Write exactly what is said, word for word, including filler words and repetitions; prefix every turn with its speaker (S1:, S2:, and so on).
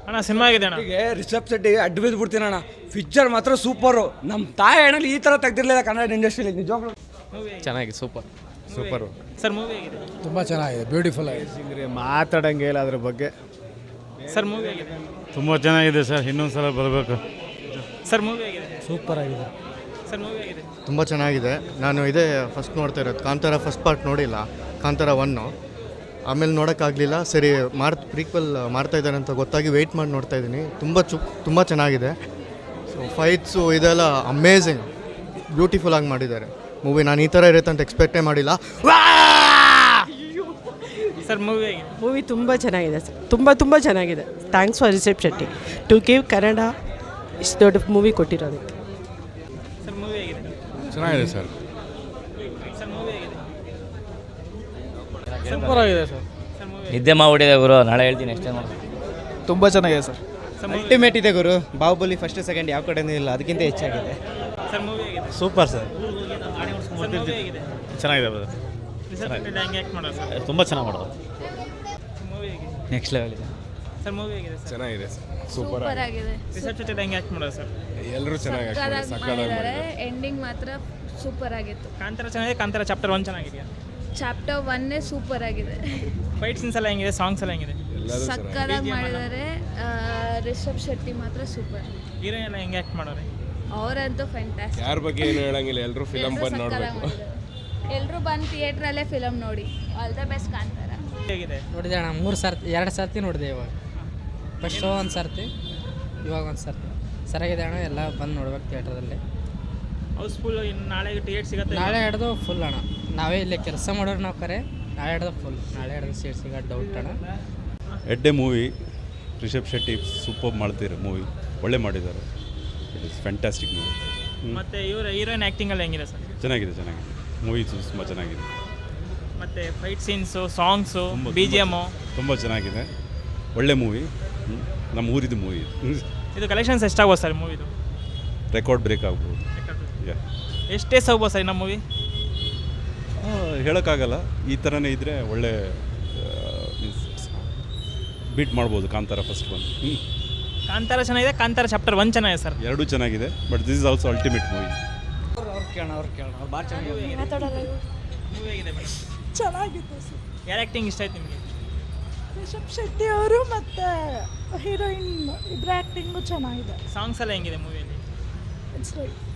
S1: ಅಣ್ಣ ಸಿನಿಮಾ ಆಗಿದೆ ಅಣ್ಣ.
S2: ಹೀಗೆ ರಿಷಬ್ ಶೆಟ್ಟಿಗೆ ಅಡ್ಡ ಬಿದ್ದು ಬಿಡ್ತೀನಿ ಅಣ್ಣ. ಪಿಕ್ಚರ್ ಮಾತ್ರ ಸೂಪರು. ನಮ್ಮ ತಾಯಿ ಅಣ್ಣಲ್ಲಿ ಈ ಥರ ತೆಗ್ದಿರಲಿಲ್ಲ ಕನ್ನಡ ಇಂಡಸ್ಟ್ರಿಯಲ್ಲಿ ನಿಜವಾಗ್ಲೂ.
S3: ಚೆನ್ನಾಗಿದೆ, ಸೂಪರ್ ಸೂಪರು
S1: ಸರ್ ಮೂವಿ ಆಗಿದೆ.
S4: ತುಂಬ ಚೆನ್ನಾಗಿದೆ, ಬ್ಯೂಟಿಫುಲ್ ಆಗಿದೆ.
S3: ಮಾತಾಡಂಗೆ ಇಲ್ಲ ಅದ್ರ ಬಗ್ಗೆ.
S1: ಸರ್ ಮೂವಿ ಆಗಿದೆ.
S5: ತುಂಬ ಚೆನ್ನಾಗಿದೆ ಸರ್, ಇನ್ನೊಂದು ಸಲ ಬರಬೇಕು.
S1: ಸರ್ ಮೂವಿ ಆಗಿದೆ.
S4: ಸೂಪರ್ ಆಗಿದೆ.
S1: ಸರ್ ಮೂವಿ ಆಗಿದೆ.
S6: ತುಂಬ ಚೆನ್ನಾಗಿದೆ. ನಾನು ಇದೇ ಫಸ್ಟ್ ನೋಡ್ತಾ ಇರೋದು. ಕಾಂತಾರ ಫಸ್ಟ್ ಪಾರ್ಟ್ ನೋಡಿಲ್ಲ, ಕಾಂತಾರ ಒನ್ನು. ಆಮೇಲೆ ನೋಡೋಕ್ಕಾಗಲಿಲ್ಲ. ಸರಿ ಮಾರ್ ಪ್ರೀಕ್ವೆಲ್ ಮಾಡ್ತಾ ಇದ್ದಾರೆ ಅಂತ ಗೊತ್ತಾಗಿ ವೆಯ್ಟ್ ಮಾಡಿ ನೋಡ್ತಾ ಇದ್ದೀನಿ. ತುಂಬ ಚು ತುಂಬ ಚೆನ್ನಾಗಿದೆ. ಸೊ ಫೈಟ್ಸು ಇದೆಲ್ಲ ಅಮೇಝಿಂಗ್, ಬ್ಯೂಟಿಫುಲ್ಲಾಗಿ ಮಾಡಿದ್ದಾರೆ ಮೂವಿ. ನಾನು ಈ ಥರ ಇರುತ್ತೆ ಅಂತ ಎಕ್ಸ್ಪೆಕ್ಟೇ ಮಾಡಿಲ್ಲ.
S1: ಸರ್ ಮೂವಿ ಆಗಿದೆ.
S7: ಮೂವಿ ತುಂಬ ಚೆನ್ನಾಗಿದೆ ಸರ್, ತುಂಬ ತುಂಬ ಚೆನ್ನಾಗಿದೆ. Thanks for Rishab Shetty to give Kannada ಇಷ್ಟು ದೊಡ್ಡ ಮೂವಿ ಕೊಟ್ಟಿರೋದಕ್ಕೆ.
S1: ಸರ್ ಮೂವಿ ಆಗಿದೆ.
S5: ಚೆನ್ನಾಗಿದೆ ಸರ್.
S1: ಸರ್ ಮೂವಿ ಆಗಿದೆ.
S4: ಸೂಪರ್ ಆಗಿದೆ ಸರ್.
S1: ಸರ್ ಮೂವಿ
S8: ನಿದ್ದೆ ಮಾಡಿಬಿಟ್ಟಿದೆ ಗುರು, ನಾಳೆ ಹೇಳ್ತೀನಿ ಅಷ್ಟೇ ನೋಡಿ.
S4: ತುಂಬ ಚೆನ್ನಾಗಿದೆ ಸರ್.
S3: ಅಲ್ಟಿಮೇಟ್ ಇದೆ ಗುರು. ಬಾಹುಬಲಿ ಫಸ್ಟ್ ಸೆಕೆಂಡ್ ಯಾವ ಕಡೆನೂ ಇಲ್ಲ, ಅದಕ್ಕಿಂತ ಹೆಚ್ಚಾಗಿದೆ.
S1: ಸರ್ ಮೂವಿ ಆಗಿದೆ.
S5: Super sir.
S1: ಸರ್ ಮೂವಿ ಆಗಿದೆ.
S5: ಚೆನ್ನಾಗಿದೆ ಬ್ರದರ್.
S1: ರಿಷಬ್ ಶೆಟ್ಟಿ ಹೆಂಗೆ ಆ್ಯಕ್ಟ್ ಮಾಡೋದು ಸರ್?
S5: ತುಂಬ ಚೆನ್ನಾಗಿ ಮಾಡೋದು.
S1: ಮೂವಿ ಆಗಿದೆ.
S3: ನೆಕ್ಸ್ಟ್ ಲೆವೆಲ್ ಇದೆ.
S1: ಸರ್ ಮೂವಿ ಆಗಿದೆ ಸರ್.
S5: ಚೆನ್ನಾಗಿದೆ ಸರ್,
S9: ಸೂಪರ್ ಆಗಿದೆ.
S1: ರಿಷಬ್ ಶೆಟ್ಟಿ ಹೆಂಗೆ ಆ್ಯಕ್ಟ್ ಮಾಡೋದು ಸರ್?
S5: ಎಲ್ಲರೂ ಚೆನ್ನಾಗಿ
S9: ಮಾಡಿದ್ದಾರೆ. ಎಂಡಿಂಗ್ ಮಾತ್ರ ಸೂಪರ್ ಆಗಿತ್ತು.
S1: ಕಾಂತಾರ ಚೆನ್ನಾಗಿದೆ. ಕಾಂತಾರ ಚಾಪ್ಟರ್ ಒನ್ ಚೆನ್ನಾಗಿದೆಯಾ?
S9: ಚಾಪ್ಟರ್ ಒನ್ನೇ ಸೂಪರ್ ಆಗಿದೆ.
S1: ಫೈಟ್ ಸೀನ್ಸ್ ಎಲ್ಲ ಹೆಂಗಿದೆ? ಸಾಂಗ್ಸ್ ಎಲ್ಲ ಹೆಂಗಿದೆ?
S9: ಸಕ್ಕದಾಗಿ ಮಾಡಿದ್ದಾರೆ. ರಿಷಬ್ ಶೆಟ್ಟಿ ಮಾತ್ರ ಸೂಪರ್.
S1: ಹೀರೋಯಿನ್ ಎಲ್ಲ ಹೆಂಗೆ ಆ್ಯಕ್ಟ್ ಮಾಡೋರೆ?
S9: ಅವರಂತೂ ಫ್ಯಾಂಟಾಸ್ಟಿಕ್.
S5: ಯಾರ ಬಗ್ಗೆ ಏನು ಹೇಳಂಗಿಲ್ಲ, ಎಲ್ಲರೂ ಫಿಲಮ್ ಬಂದು ನೋಡಬೇಕು.
S9: ಎಲ್ಲರೂ ಬಂದು ಥಿಯೇಟ್ರಲ್ಲೇ ಫಿಲಮ್ ನೋಡಿ. All the best Kantara.
S1: ಹೇಗಿದೆ?
S7: ನೋಡಿದೆ ಅಣ್ಣ, ಮೂರು ಸರ್ತಿ ಎರಡು ಸರ್ತಿ ನೋಡಿದೆ. ಇವಾಗ ಫಸ್ಟ್ ಶೋ ಒಂದು ಸರ್ತಿ, ಇವಾಗ ಒಂದು ಸರ್ತಿ. ಸರಿಯಾಗಿದೆ ಅಣ್ಣ, ಎಲ್ಲ ಬಂದು ನೋಡ್ಬೇಕು ಥಿಯೇಟ್ರದಲ್ಲಿ.
S1: ಹೌಸ್ಫುಲ್. ಇನ್ನು ನಾಳೆ ಟಿಕೆಟ್ ಸಿಗುತ್ತೆ?
S7: ನಾಳೆ ಹಿಡ್ದು ಫುಲ್ ಅಣ್ಣ. ನಾವೇ ಇಲ್ಲೇ ಕೆಲಸ ಮಾಡೋರು ನಾವು ಕರೆ. ನಾಳೆ ಹಿಡ್ದು ಫುಲ್, ನಾಳೆ ಹಿಡ್ದು ಸೀಟ್ ಸಿಗೋದು ಡೌಟ್ ಅಣ್ಣ.
S5: ಎಡ್ಡೆ ಮೂವಿ. ರಿಷಬ್ ಶೆಟ್ಟಿ ಸೂಪರ್ ಮಾಡ್ತಿರೋ ಮೂವಿ, ಒಳ್ಳೆ ಮಾಡಿದ್ದಾರೆ. It is fantastic movie.
S1: ಮತ್ತೆ ಇವರು ಹೀರೋಯಿನ್ ಆ್ಯಕ್ಟಿಂಗ್ ಎಲ್ಲ ಹೆಂಗಿದೆ ಸರ್?
S5: ಚೆನ್ನಾಗಿದೆ, ಚೆನ್ನಾಗಿದೆ ಮೂವಿ, ತುಂಬ ಚೆನ್ನಾಗಿದೆ.
S1: ಮತ್ತೆ fight scenes, songs, B G M
S5: ತುಂಬ ಚೆನ್ನಾಗಿದೆ. ಒಳ್ಳೆ ಮೂವಿ, ನಮ್ಮ ಊರಿದು ಮೂವಿ.
S1: ಇದು ಕಲೆಕ್ಷನ್ಸ್ ಎಷ್ಟಾಗ್ಬೋದು ಸರ್ ಮೂವಿದು?
S5: ರೆಕಾರ್ಡ್ ಬ್ರೇಕ್ ಆಗ್ಬೋದು. ಯಾ
S1: ಎಷ್ಟೇ ಹೋಗ್ಬೋದು ಸರ್ ನಮ್ಮ ಮೂವಿ?
S5: ಹೇಳೋಕ್ಕಾಗಲ್ಲ. ಈ ಥರನೇ ಇದ್ದರೆ ಒಳ್ಳೆ ಮೀನ್ಸ್ ಬೀಟ್ ಮಾಡ್ಬೋದು ಕಾಂತಾರ ಫಸ್ಟ್ ಒನ್.
S1: ಕಾಂತಾರ ಚೆನ್ನಾಗಿದೆ. ಕಾಂತಾರ ಚಾಪ್ಟರ್ ಒನ್ ಚೆನ್ನಾಗಿದೆ ಸರ್.
S5: ಎರಡೂ ಚೆನ್ನಾಗಿದೆ, but this is also ultimate movie.
S3: ಅವ್ರು ಕೇಳೋಣ, ಅವ್ರು ಕೇಳೋಣ, ಅವ್ರು ಭಾಳ ಚೆನ್ನಾಗಿ
S1: ಮೂವಿ ಆಗಿದೆ ಮೇಡಮ್.
S10: ಚೆನ್ನಾಗಿತ್ತು ಸರ್.
S1: ಯಾರು ಆ್ಯಕ್ಟಿಂಗ್ ಇಷ್ಟ ಆಯ್ತು ನಿಮಗೆ?
S10: ರಿಷಬ್ ಶೆಟ್ಟಿ ಅವರು ಮತ್ತು ಹೀರೋಯಿನ್ ಇಬ್ಬರ ಆ್ಯಕ್ಟಿಂಗು ಚೆನ್ನಾಗಿದೆ.
S1: ಸಾಂಗ್ಸ್ ಎಲ್ಲ ಹೆಂಗಿದೆ ಮೂವಿಯಲ್ಲಿ?
S10: It's like